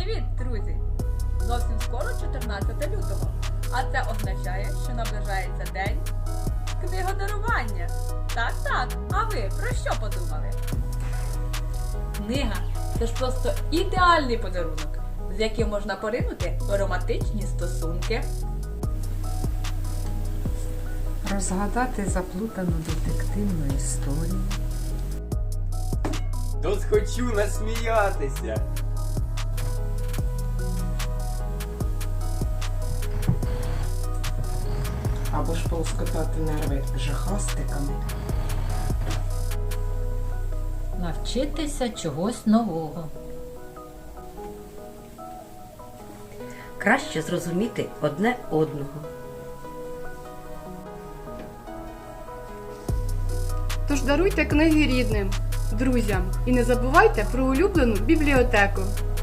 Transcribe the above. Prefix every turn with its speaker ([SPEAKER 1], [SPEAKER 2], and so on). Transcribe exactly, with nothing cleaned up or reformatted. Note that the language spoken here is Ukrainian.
[SPEAKER 1] Привіт, друзі! Зовсім скоро чотирнадцяте лютого, а це означає, що наближається день книгодарування. Так, так, а ви про що подумали? Книга – це ж просто ідеальний подарунок, з яким можна поринути в романтичні стосунки.
[SPEAKER 2] Розгадати заплутану детективну історію.
[SPEAKER 3] Тут хочу насміятися.
[SPEAKER 2] Або ж полоскотати нерви жахастиками.
[SPEAKER 4] Навчитися чогось нового.
[SPEAKER 5] Краще зрозуміти одне одного.
[SPEAKER 6] Тож даруйте книги рідним, друзям і не забувайте про улюблену бібліотеку.